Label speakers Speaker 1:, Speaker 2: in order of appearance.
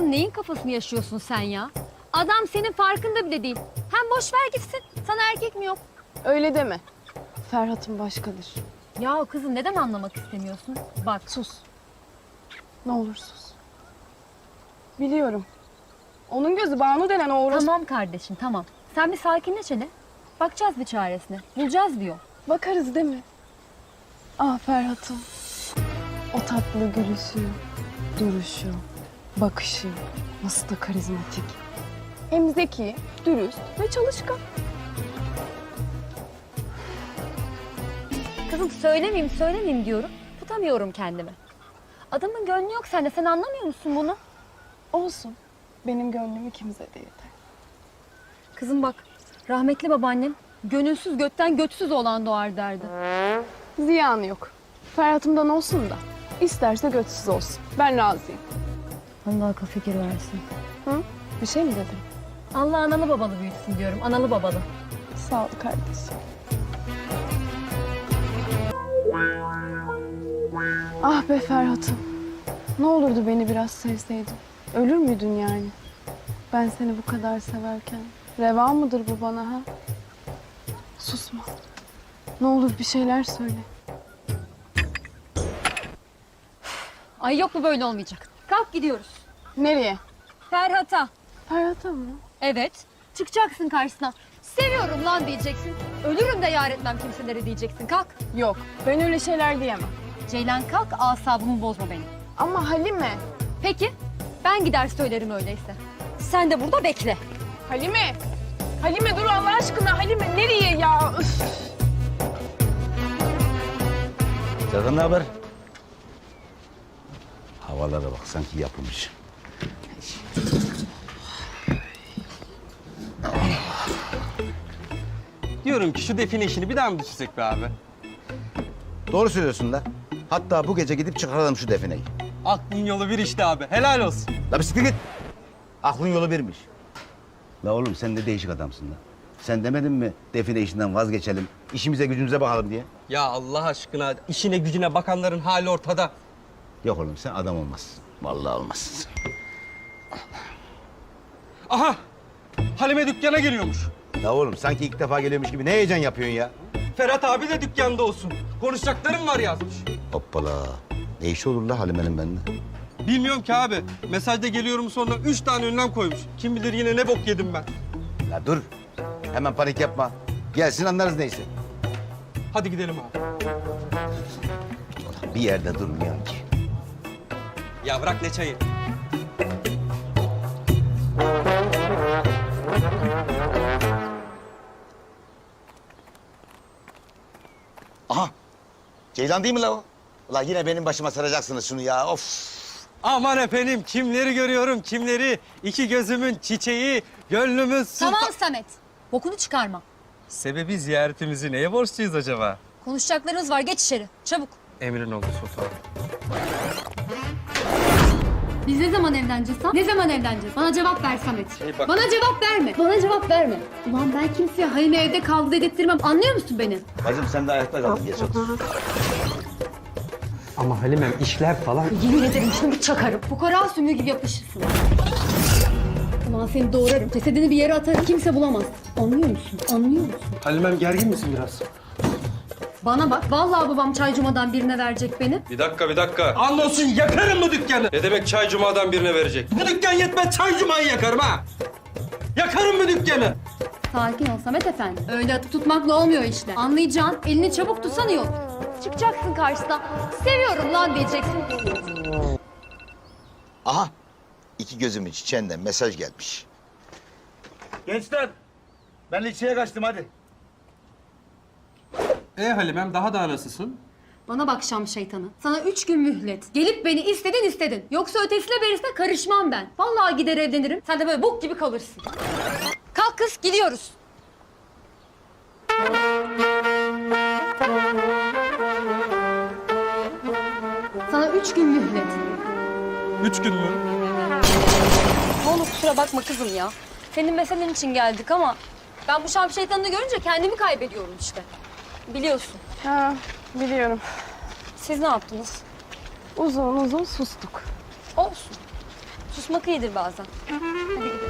Speaker 1: Kızım neyin kafasını yaşıyorsun sen ya? Adam senin farkında bile değil. Hem boş ver gitsin. Sana erkek mi yok?
Speaker 2: Öyle deme. Ferhat'ın başkadır.
Speaker 1: Ya kızım neden anlamak istemiyorsun? Bak
Speaker 2: Sus. Ne olur sus. Biliyorum. Onun gözü Banu denen o orospu...
Speaker 1: tamam kardeşim tamam. Sen bir sakinleş hele. Bakacağız bir çaresine. Bulacağız bir yol.
Speaker 2: Bakarız değil mi? Ah Ferhat'ım. O tatlı gülüşü, duruşu, bakışı nasıl da karizmatik. Hem zeki, dürüst ve çalışkan.
Speaker 1: Kızım söylemeyeyim diyorum. Tutamıyorum kendimi. Adamın gönlü yok sende. Sen anlamıyor musun bunu?
Speaker 2: Olsun. Benim gönlümü kimse de yeter.
Speaker 1: Kızım bak. Rahmetli babaannem gönülsüz gökten götsüz olan doğar derdi.
Speaker 2: Ziyanı yok. Ferhat'ımdan olsun da. İsterse götsüz olsun. Ben razıyım.
Speaker 1: Allah akıl fikir versin.
Speaker 2: Hı? Bir şey mi dedim?
Speaker 1: Allah analı babalı büyütsün diyorum. Analı babalı.
Speaker 2: Sağ ol kardeşim. Ah be Ferhat'ım. Ne olurdu beni biraz sevseydin. Ölür müydün yani? Ben seni bu kadar severken. Reva mıdır bu bana ha? Susma. Ne olur bir şeyler söyle.
Speaker 1: Ay yok bu böyle olmayacak. Kalk gidiyoruz.
Speaker 2: Nereye?
Speaker 1: Ferhat'a.
Speaker 2: Ferhat'a mı?
Speaker 1: Evet. Çıkacaksın karşısına. Seviyorum lan diyeceksin. Ölürüm de yar etmem kimselere diyeceksin. Kalk.
Speaker 2: Yok. Ben öyle şeyler diyemem.
Speaker 1: Ceylan kalk asabımı bozma benim.
Speaker 2: Ama Halime.
Speaker 1: Peki. Ben gider söylerim öyleyse. Sen de burada bekle.
Speaker 2: Halime. Halime dur Allah aşkına. Halime nereye ya? Üf.
Speaker 3: Serkan ne haber? Havalara bak sanki yapılmış.
Speaker 4: Diyorum ki şu define işini bir daha mı düşünsek be abi?
Speaker 3: Doğru söylüyorsun da. Hatta bu gece gidip çıkaralım şu defineyi.
Speaker 4: Aklın yolu bir işte abi. Helal olsun.
Speaker 3: La bir siktir git. Aklın yolu birmiş. La oğlum sen de değişik adamsın la. Sen demedin mi define işinden vazgeçelim, işimize gücümüze bakalım diye?
Speaker 4: Ya Allah aşkına işine gücüne bakanların hali ortada.
Speaker 3: Yok oğlum sen adam olmazsın. Vallahi olmazsın.
Speaker 4: Aha! Halime dükkana geliyormuş.
Speaker 3: La oğlum sanki ilk defa geliyormuş gibi ne heyecan yapıyorsun ya?
Speaker 4: Ferhat abi de dükkanda olsun. Konuşacaklarım var yazmış.
Speaker 3: Hoppala. Ne işi olur la Halime'nin benimle?
Speaker 4: Bilmiyorum ki abi. Mesajda geliyorum sonra 3 tane önlem koymuş. Kim bilir yine ne bok yedim ben.
Speaker 3: La dur. Hemen panik yapma. Gelsin anlarız neyse.
Speaker 4: Hadi gidelim abi.
Speaker 3: Bir yerde durmuyor ki.
Speaker 4: Ya bırak ne çayı.
Speaker 3: Aha. Ceylan değil mi la o? Ulan yine benim başıma saracaksınız şunu ya. Of.
Speaker 4: Aman efendim kimleri görüyorum kimleri. İki gözümün çiçeği, gönlümün sultan...
Speaker 1: Tamam Samet. Bokunu çıkarma.
Speaker 4: Sebebi ziyaretimizi neye borçluyuz acaba?
Speaker 1: Konuşacaklarımız var. Geç içeri. Çabuk.
Speaker 4: Emrin oldu sultanım.
Speaker 1: Biz ne zaman evleneceğiz ha? Ne zaman evleneceğiz? Bana cevap ver Samet.
Speaker 4: bak-
Speaker 1: Bana cevap verme. Bana cevap verme. Ulan ben kimseye Halime evde kaldı dedirtmem. Anlıyor musun beni?
Speaker 3: Bacım sen de ayakta kaldın. Geç otur.
Speaker 4: Ama Halimem işler falan...
Speaker 1: Yemin ederim şunu bir çakarım. Fukara sümüğü gibi yapışırsın. Ulan seni doğrarım. Cesedini bir yere atarım. Kimse bulamaz. Anlıyor musun? Anlıyor musun?
Speaker 4: Halimem gergin misin biraz?
Speaker 1: Bana bak. Vallahi babam çaycumadan birine verecek beni.
Speaker 4: Bir dakika. Anlolsun yakarım bu dükkanı. Ne demek çay cumadan birine verecek? Bu dükkan yetmez çay cumayı yakarım ha. Yakarım bu dükkanı.
Speaker 1: Sakin ol Samet Efendi. Öyle atıp tutmakla olmuyor işte. Anlayacağın elini çabuk tutsan iyi olur. Çıkacaksın karşısına. Seviyorum lan diyeceksin.
Speaker 3: Aha. İki gözümün çiçeğinden mesaj gelmiş. Gençler. Ben ilçeye kaçtım hadi.
Speaker 4: Halimem daha nasılsın?
Speaker 1: Bana bak Şam şeytanı. Sana 3 gün mühlet. Gelip beni istedin. Yoksa ötesine berisine karışmam ben. Vallahi gider evlenirim. Sen de böyle bok gibi kalırsın. Kalk kız gidiyoruz. Sana 3 gün mühlet.
Speaker 4: 3 gün mü?
Speaker 1: Ne olur kusura bakma kızım ya. Senin meselen için geldik ama ben bu Şam şeytanını görünce kendimi kaybediyorum işte. Biliyorsun.
Speaker 2: Ha, biliyorum.
Speaker 1: Siz ne yaptınız?
Speaker 2: Uzun uzun sustuk.
Speaker 1: Olsun. Susmak iyidir bazen. Hadi gidelim.